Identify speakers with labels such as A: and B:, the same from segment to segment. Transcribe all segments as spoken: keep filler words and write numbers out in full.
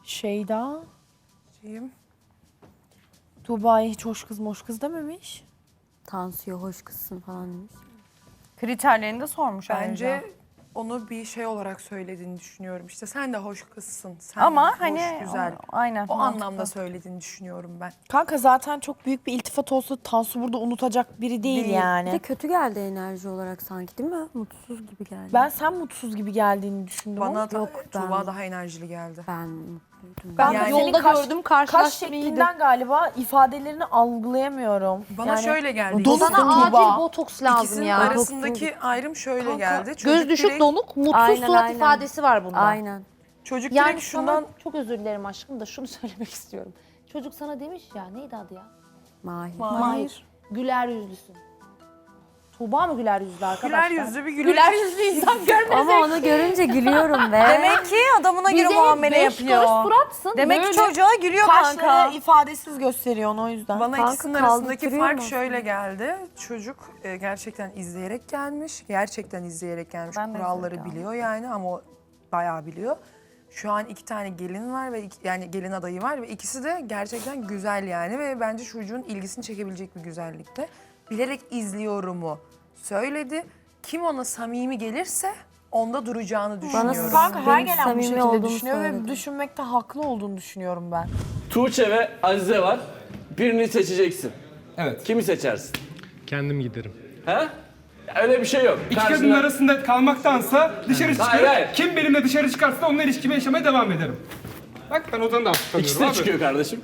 A: Şeyda.
B: Şeyim.
A: Tuğba'ya hiç hoş kız moş kız dememiş.
C: Tansiyo hoş kızsın falan demiş.
D: Kriterlerini de sormuş
B: Bence
D: ayrıca.
B: onu bir şey olarak söylediğini düşünüyorum. İşte sen de hoş kızsın. Sen
D: Ama
B: hoş,
D: hani
B: güzel.
D: o- aynen.
B: O
D: mantıklı.
B: anlamda söylediğini düşünüyorum ben.
A: Kanka zaten çok büyük bir iltifat olsa Tansu burada unutacak biri değil,
B: Değil.
C: Bir de
A: yani.
C: kötü geldi enerji olarak sanki değil mi? Mutsuz gibi geldi.
A: Ben sen mutsuz gibi geldiğini düşündüm.
B: Bana
A: ama
B: da
C: Yok,
B: Tuğba
C: ben-
B: daha enerjili geldi.
C: Ben mutluydum.
A: ben
B: Yani-
A: senin
E: Yolda
A: kaş-
E: gördüm,
A: kaş
E: karşılaştım iyiydi.
A: şeklinden galiba ifadelerini algılayamıyorum.
B: Bana
A: Yani
B: şöyle geldi.
A: Donuk
B: İkisinin-
E: Sana
A: Tuğba.
E: acil botoks lazım
B: İkisinin
E: ya.
B: arasındaki ayrım şöyle
A: Kanka,
B: geldi.
E: Göz
B: Çocuk
E: düşük
B: direkt,
E: donuk, mutsuz
C: Aynen,
E: surat
C: aynen.
E: ifadesi var bunda.
C: Aynen.
B: çocuk
E: Yani
B: direkt şundan
E: sana çok özür dilerim aşkım da şunu söylemek istiyorum. Çocuk sana demiş ya, neydi adı ya?
C: Mahir.
B: Mahir.
E: Güler yüzlüsün. Tuğba mı güler yüzlü arkadaşlar?
B: Güler yüzlü bir güler.
E: Güler yüzlü insan görmez.
C: Ama onu görünce gülüyorum be.
D: Demek ki adamına göre
E: Bize
D: muamele
E: beş
D: yapıyor.
E: kuruş suratsın.
D: Demek
E: böyle.
D: ki çocuğa gülüyor kanka.
A: Kaşları ifadesiz gösteriyor onu o yüzden.
B: Bana
C: Kanka
B: ikisinin arasındaki
C: kaldırtırıyor
B: fark
C: mu?
B: şöyle geldi. Çocuk e, gerçekten izleyerek gelmiş. Gerçekten izleyerek gelmiş.
D: Ben de
B: Kuralları
D: izleyerek
B: biliyor yani ama o bayağı biliyor. Şu an iki tane gelin var ve iki- yani gelin adayı var ve ikisi de gerçekten güzel yani ve bence çocuğun ilgisini çekebilecek bir güzellikte. Bilerek izliyorumu söyledi. Kim ona samimi gelirse onda duracağını düşünüyorum.
A: Kanka her
C: Benim
A: gelen bu
C: samimi
A: şekilde
C: olduğumu
A: düşünüyor ve
C: söyledi.
A: düşünmekte haklı olduğunu düşünüyorum ben.
F: Tuğçe ve Azize var. Birini seçeceksin.
G: Evet.
F: Kimi seçersin?
H: Kendim giderim.
F: He? Ya öyle bir şey yok.
G: İki
F: Karşına-
G: kadının arasında kalmaktansa dışarı
F: Hayır,
G: çıkarım.
F: hayır.
G: Kim benimle dışarı çıkarsa onunla ilişkimi yaşamaya devam ederim. Bak ben odanı da tanıyorum
F: İkisi de
G: abi.
F: çıkıyor kardeşim.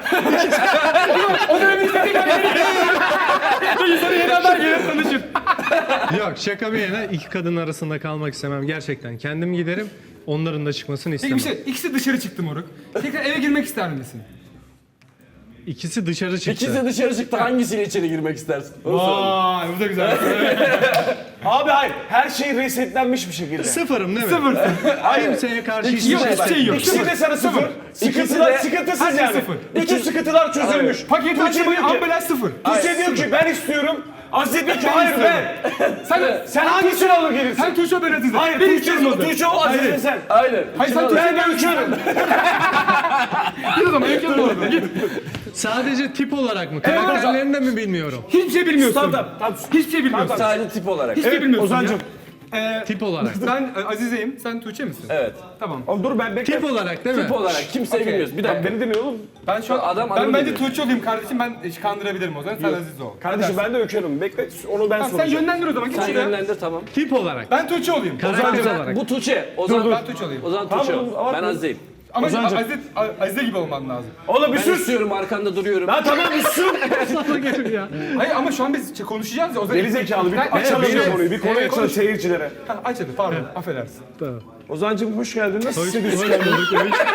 G: O dönem istediğim İnsanı yeni aday gelir tanışır.
H: Yok şaka bir yana iki kadın arasında kalmak istemem gerçekten. Kendim giderim. Onların da çıkmasını
G: Peki
H: istemem.
G: bir şey, ikisi dışarı çıktı moruk. Tekrar eve girmek ister misin?
H: İkisi dışarı çıktı.
F: İkisi de dışarı çıktı. Hangisiyle içeri girmek istersin? Onu soralım.
G: Vay bu da güzel.
I: Abi hayır, her şey resetlenmiş bir şekilde.
H: Sıfırım değil mi?
G: Sıfırsın.
H: Kimseye karşı hiçbir
G: Yok
H: şey
G: hiçbir şey yok.
I: İkisi de sana sıfır. Sıkıntılar
F: de-
I: sıkıntısız
G: Herkes
I: yani.
G: sıfır.
I: Bütün sıkıntılar çözülmüş.
G: Paket
I: Tuğçe
G: açmayı
I: diyor ki,
G: ambulans sıfır.
I: Tuğçe diyor ki ben istiyorum. Azize diyor ki hayır ben.
G: Sen,
I: Sen hangisini alır gelirsin?
G: sen Tuğçe ben Azize.
I: Hayır
G: Ben
I: Tuğçe,
G: istiyorum onu.
I: Tuğçe o Azize sen.
F: Aynen.
G: Hayır sen Tuğçe
I: Ben de
G: ben
I: uçuyorum.
G: Git o zaman imkanı orada git.
H: Sadece tip olarak mı? Karakterlerini de mi bilmiyorum?
G: Hiçbir şey bilmiyorsun.
I: Tamam tamam.
G: Hiçbir şey bilmiyorsun.
F: Sadece tip olarak.
G: Hiçbir şey bilmiyorsun
I: Ozancığım.
G: ya. Ee,
H: Tip olarak.
G: ben e, Azize'yim, sen Tuğçe misin?
F: Evet.
G: Tamam.
I: Oğlum dur ben bekle.
H: Tip olarak değil mi?
F: Tip olarak kimseyi bilmiyoruz. Bir dakika.
I: Beni dinle oğlum.
G: Ben şu an,
F: Adam-
G: ben
F: adam
G: bence
F: geliyor.
G: Tuğçe olayım kardeşim, ben e, kandırabilirim o zaman, sen Azize ol.
I: Kardeşim ben de öküyorum. Bekle onu ben
G: Tamam, sen
I: soracağım.
G: yönlendir o zaman, git
F: Sen
G: şuraya.
F: yönlendir tamam.
H: Tip olarak.
G: Ben Tuğçe olayım.
H: Karakter
F: Sen-
H: olarak.
F: Bu Tuğçe. O zaman
G: Ben Tuğçe olayım.
F: O zaman
I: Tamam
F: Tuğçe
I: oğlum,
F: ol.
I: ama-
F: Ben Azize'yim.
G: Ama
I: Ozancığım.
G: Azize, Azize gibi olman lazım.
I: Oğlum bir
F: Ben
I: sus.
F: istiyorum arkanda duruyorum.
I: Ha tamam bir sus.
G: Hayır ama şu an biz şey konuşacağız ya. O zaman
I: Geri zekalı bir
G: Ha,
I: açalım
G: evet,
I: bir konuyu. Bir konuyu
G: evet,
I: açalım
G: konuş.
I: seyircilere.
G: Ha, aç hadi pardon, affedersin.
I: Ozancığım hoş geldin. Nasıl
H: Hoş,
I: hissediyorsun?
H: hoş bulduk.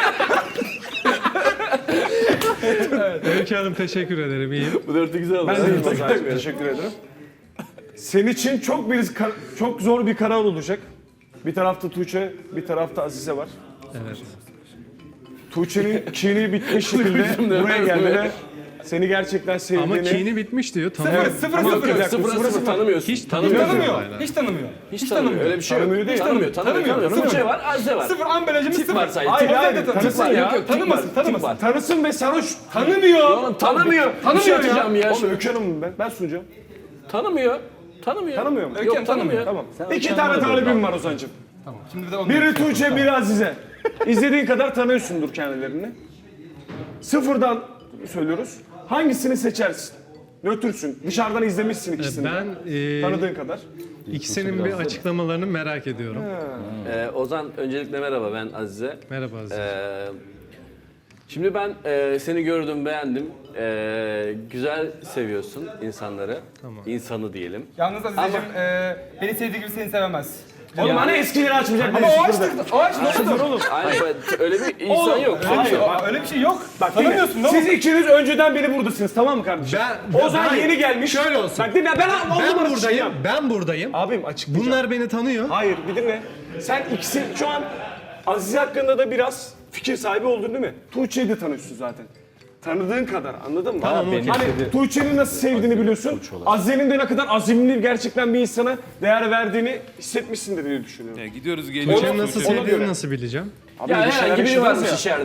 H: Öykü. Öykü Hanım teşekkür ederim. İyiyim.
F: Bu dörtlü güzel oldu.
I: Ben de
F: Evet,
I: iyiyim Ozancığım. Teşekkür ederim. Senin için çok bir kar- çok zor bir karar olacak. Bir tarafta Tuğçe, bir tarafta Azize var.
H: Evet.
I: Tuğçe'nin kini bitmiş şekilde buraya geldi ve seni gerçekten sevdiğini...
H: Ama kini bitmiş diyor. Tamam.
G: Sıfır, sıfır,
I: Ama
G: sıfır.
I: bir dakika,
F: Sıfıra
I: sıfıra
F: sıfır
I: sıfır.
F: tanımıyorsun.
H: Hiç
F: tanımıyorsun.
G: Tanımıyor,
H: Aynen.
G: hiç tanımıyor.
F: Hiç tanımıyor. Öyle bir şey yok.
I: Tanımıyor değil.
F: Tanımıyor, tanımıyor,
G: Tanımıyor,
F: tanımıyor. Tuğçe
G: tanımıyor.
F: var, Azize var.
G: Sıfır ambalajımız
F: Tip
G: sıfır.
F: var sadece.
I: Hayır
F: Tip
I: hayır,
F: var.
I: tanısın
F: Tip var.
I: ya.
F: Yok, yok, tip
G: Tanımasın,
F: var,
G: tanımasın.
F: tip var.
I: Tanısın ve sarhoş.
G: Tanımıyor.
F: Oğlum tanımıyor.
G: Tanımıyor
F: Bir şey
G: ya.
F: atacağım ya.
I: Oğlum Öykü Hanım'ım ben. Ben sunacağım.
F: Tanımıyor. Tanımıyor.
I: Tanımıyor mu?
G: Öykü
F: Yok
G: Hanım
F: tanımıyor.
I: Tamam. İki tane talibim var Ozancığım.
G: Tamam, şimdi de onu
I: Biri Tuğçe, biri Azize. İzlediğin kadar tanıyorsundur kendilerini. Sıfırdan söylüyoruz. Hangisini seçersin? Nötrsün. Dışarıdan izlemişsin ikisini. de.
H: Ben e,
I: Tanıdığın kadar.
H: ikisinin bir açıklamalarını merak ediyorum.
F: Ee, Ozan öncelikle merhaba ben Azize.
H: Merhaba Aziz.
F: Ee, şimdi ben e, seni gördüm beğendim. Ee, güzel seviyorsun insanları.
H: Tamam.
F: İnsanı diyelim.
G: Yalnız Azizeciğim, e, beni sevdiği gibi seni sevemez.
I: Oğlum hani eskileri açmayacak.
G: Ama
I: biri
G: o
I: sıfırda.
G: açtı, o açtı.
I: Sıfır oğlum.
F: Aynen öyle bir insan yok.
G: Öyle bir, şey,
I: Hayır, bak.
G: öyle bir şey yok.
I: Bak dinle.
G: Tanımıyorsun değil
I: Siz
G: mi?
I: ikiniz önceden beri buradasınız tamam mı kardeşim?
H: Ben-
I: Ozan
H: Hayır,
I: yeni gelmiş.
H: şöyle olsun.
I: Bak dinle ben
H: Ben
I: oğlum
H: buradayım.
I: açıklayacağım.
H: Ben buradayım.
I: Abim açıklayacağım.
H: Bunlar beni tanıyor.
I: Hayır bir dinle. Sen ikisi şu an Azize hakkında da biraz fikir sahibi oldun değil mi? Tuğçe'yi de tanıyorsun zaten. Tanıdığın kadar anladın mı?
H: Tamam, okey.
I: Hani Tuğçe'nin nasıl sevdiğini biliyorsun. Azize'nin de ne kadar azimli gerçekten bir insana değer verdiğini hissetmişsindir diye düşünüyorum.
J: Ya gidiyoruz geliyoruz.
H: Tuğçe'nin nasıl
I: ona göre.
H: sevdiğini nasıl bileceğim?
I: Abi
F: Ya
I: bir şeyler
F: herhangi biri
I: yaşadınız
F: varmış
I: ya.
F: içeride.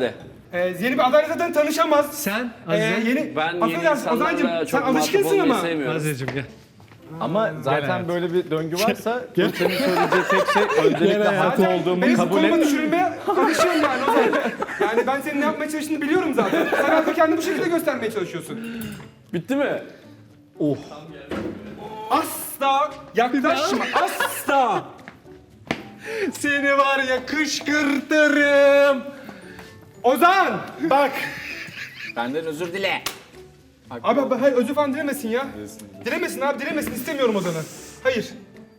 G: Ee, yeni bir adayla zaten tanışamaz.
H: Sen
G: Ee,
H: Azize.
G: yeni,
F: Ben yeni
G: affedersin Ozan'cığım
F: insanlarla
G: sen
F: çok muhatap
G: alışkınsın
F: olmayı
G: ama.
F: sevmiyorum.
H: Azizeciğim gel.
J: Ama zaten
H: hayatım.
J: böyle bir döngü varsa Tuğçe'nin söyleyeceği tek şey öncelikle haklı
G: Zaten
J: olduğumu
G: benim
J: kabul
G: konuma
J: et.
G: düşürülmeye alışıyorum yani Ozan. Yani ben senin ne yapmaya çalıştığını biliyorum zaten. Sen artık kendini bu şekilde göstermeye çalışıyorsun.
F: Bitti mi?
G: Asla yaklaşma, asla.
H: Seni var ya kışkırtırım.
G: Ozan, bak.
J: Benden özür dile.
G: Abi, abi hayır özür falan dilemesin ya. Dilemesin abi, dilemesin. İstemiyorum Ozan'ı. Hayır.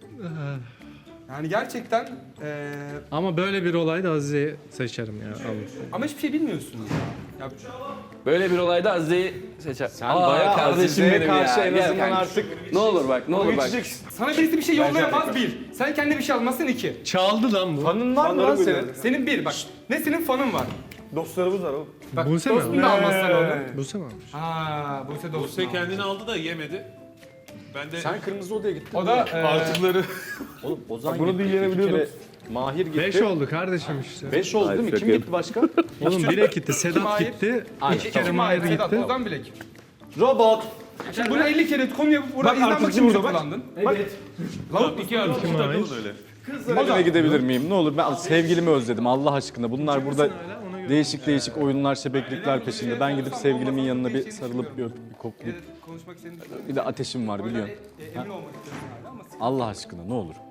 G: Yani gerçekten eee
H: Ama böyle bir olayda Azize'yi seçerim ya. Allah.
G: ama hiçbir şey bilmiyorsun. Ya,
F: Böyle bir olayda Azize'yi seçer.
J: Sen bayağı Azize'ye karşı en azından artık
F: Ne olur bak, ne olur bak.
J: geçeceksin.
G: sana birisi bir şey yollayamaz bir. Sen kendine bir şey almazsın iki.
H: Çaldı lan bu.
J: Fanın var mı lan senin?
G: Senin bir bak. Ne senin fanın var.
I: Dostlarımız var oğlum.
G: Bak
H: Buse mi
G: dostun
H: almış?
G: da almazsan onu.
H: Buse mi almış?
G: Ha, Buse dostun
K: Buse
G: almış.
K: kendini aldı da yemedi. Ben de
J: Sen kırmızı odaya gittin.
G: O da eee,
K: artıkları
J: Oğlum Ozan
I: bunu
J: gitti.
I: dinleyebiliyordum.
J: İki kere Mahir gitti.
H: Beş oldu kardeşim işte.
J: Beş oldu değil mi? Kim gitti başka?
H: Oğlum bire gitti, Sedat
G: Mahir?
H: gitti.
J: Aynen.
H: İki kere
G: Kim
H: Mahir
G: Mahir, Sedat,
H: gitti.
G: Ozan Bilek.
J: Robot.
G: Şimdi bunu elli kere konu yapıp burada
I: Bak
G: izlenmek
I: artık
G: için mi
I: burada bak.
G: kullandın?
K: Lavuk iki artı iki takılın öyle.
J: Eve gidebilir miyim? Ne olur ben sevgilimi özledim Allah aşkına. Bunlar burada değişik değişik oyunlar, şebeklikler peşinde. Ben gidip sevgilimin yanına bir sarılıp bir öpüp bir koklayıp.
G: Konuşmak istediğin
J: Bir de ateşim var biliyorsun.
G: emin olmak istiyorsun hala ama
J: Allah aşkına ne olur.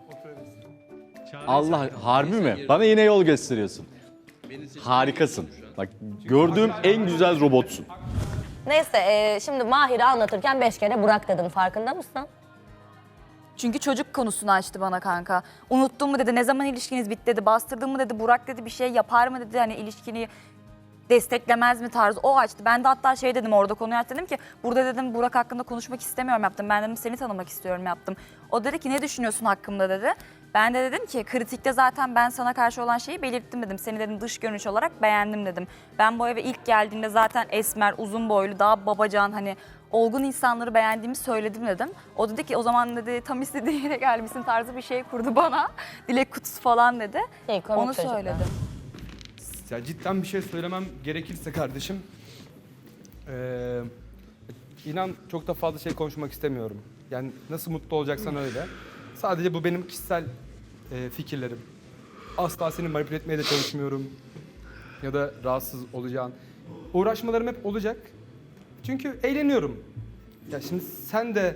J: Allah harbi mi? Bana yine yol gösteriyorsun. Harikasın. Bak gördüğüm en güzel robotsun.
L: Neyse e, şimdi Mahir'i anlatırken beş kere Burak dedim farkında mısın?
D: Çünkü çocuk konusunu açtı bana kanka. Unuttun mu dedi, ne zaman ilişkiniz bitti dedi, bastırdın mı dedi, Burak dedi bir şey yapar mı dedi, hani ilişkini desteklemez mi tarzı o açtı. Ben de hatta şey dedim orada konuyu açtı dedim ki burada dedim Burak hakkında konuşmak istemiyorum yaptım. Ben dedim seni tanımak istiyorum yaptım. O dedi ki ne düşünüyorsun hakkımda dedi. Ben de dedim ki kritikte zaten ben sana karşı olan şeyi belirttim dedim. Seni dedim dış görünüş olarak beğendim dedim. Ben bu eve ilk geldiğimde zaten esmer, uzun boylu, daha babacan hani olgun insanları beğendiğimi söyledim dedim. O dedi ki o zaman dedi tam istediğin yere gelmişsin tarzı bir şey kurdu bana. Dilek kutusu falan dedi.
L: Şey, komik
D: Onu
L: çocuklar.
D: söyledim.
G: ya cidden bir şey söylemem gerekirse kardeşim. eee inan çok da fazla şey konuşmak istemiyorum. Yani nasıl mutlu olacaksan öyle. Sadece bu benim kişisel eee, fikirlerim. Asla seni manipüle etmeye de çalışmıyorum. Ya da rahatsız olacağın. Uğraşmalarım hep olacak. Çünkü eğleniyorum. Ya şimdi sen de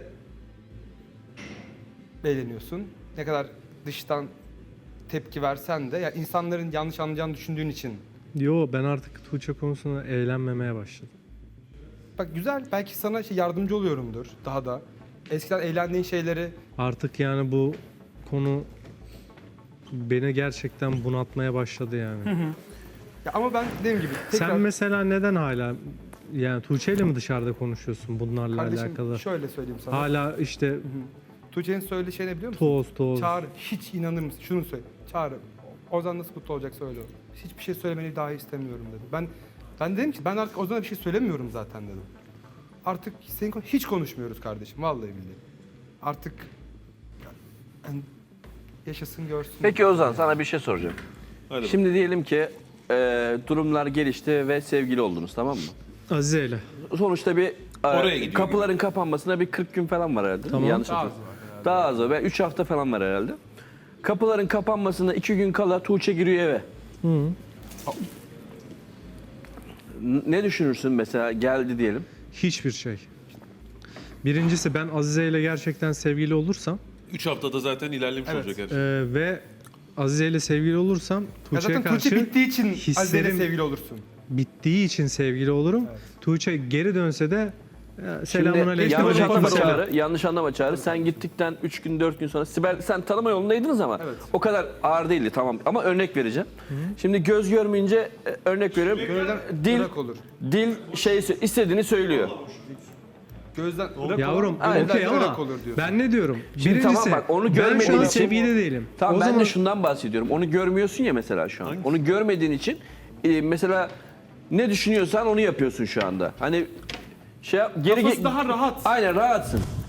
G: eğleniyorsun. Ne kadar dıştan tepki versen de ya insanların yanlış anlayacağını düşündüğün için.
H: Yo ben artık Tuğçe konusunda eğlenmemeye başladım.
G: Bak güzel belki sana şey yardımcı oluyorumdur daha da. Eskiden eğlendiğin şeyleri
H: Artık yani bu konu beni gerçekten bunaltmaya başladı yani.
G: ya ama ben dediğim gibi tekrar
H: Sen mesela neden hala yani Tuğçe ile mi dışarıda konuşuyorsun bunlarla
G: kardeşim
H: alakalı?
G: şöyle söyleyeyim sana.
H: Hala işte
G: Tuğçe'nin söylediği şey ne biliyor musun?
H: toz toz.
G: Çağrı hiç inanır mısın? Şunu söyle. Çağrı Ozan nasıl mutlu olacak söyle onu. Hiçbir şey söylemeni dahi istemiyorum dedi. Ben ben dedim ki ben artık Ozan'a bir şey söylemiyorum zaten dedim. Artık senin konu- hiç konuşmuyoruz kardeşim vallahi billahi. Artık yani yaşasın görsün.
F: Peki Ozan sana bir şey soracağım. Şimdi diyelim ki e, durumlar gelişti ve sevgili oldunuz tamam mı?
H: Azize ile.
F: Sonuçta bir
K: Oraya
F: e,
K: gidiyor
F: kapıların kapanmasına bir kırk gün falan var herhalde.
H: Tamam.
F: Yanlış hatırlamıyorum. Daha az var. üç hafta falan var herhalde. Kapıların kapanmasına iki gün kala Tuğçe giriyor eve. N- Ne düşünürsün mesela geldi diyelim.
H: Hiçbir şey. Birincisi ben Azize ile gerçekten sevgili olursam
K: üç haftada zaten ilerlemiş
G: Evet.
K: olacak her şey.
H: e, ve Azize ile sevgili olursam
G: Ya
H: Tuğçe'ye
G: zaten Tuğçe
H: karşı
G: bittiği için Azize'yle
H: hislerim-
G: sevgili olursun.
H: bittiği için sevgili olurum. Tuğçe geri dönse de e, selamun
F: Şimdi
H: aleyküm.
F: yanlış
H: aleyküm
F: anlama
H: selam.
F: Çağrı, yanlış anlama Çağrı. Sen gittikten üç gün dört gün sonra Sibel sen tanıma yolundaydınız ama
G: Evet.
F: o kadar ağır değildi tamam ama örnek vereceğim. Şimdi göz görmeyince e, örnek veriyorum.
G: Gözden
F: Dil
G: ırak olur.
F: dil şey sö- istediğini söylüyor.
G: Gözden ırak
H: Yavrum
G: olur.
H: okey
G: gözden
H: ama
G: ırak olur diyorsun.
H: ben ne diyorum?
F: Şimdi
H: Birincisi
F: tamam bak, onu
H: ben şu
F: görmediğin
H: an
F: için-
H: sevgili değilim.
F: Tamam
H: o
F: ben
H: zaman
F: de şundan bahsediyorum. Onu görmüyorsun ya mesela şu an. Onu görmediğin için e, mesela ne düşünüyorsan onu yapıyorsun şu anda. Hani şey yap- geri
G: Kafası
F: ge-
G: daha rahat.
F: Aynen rahatsın.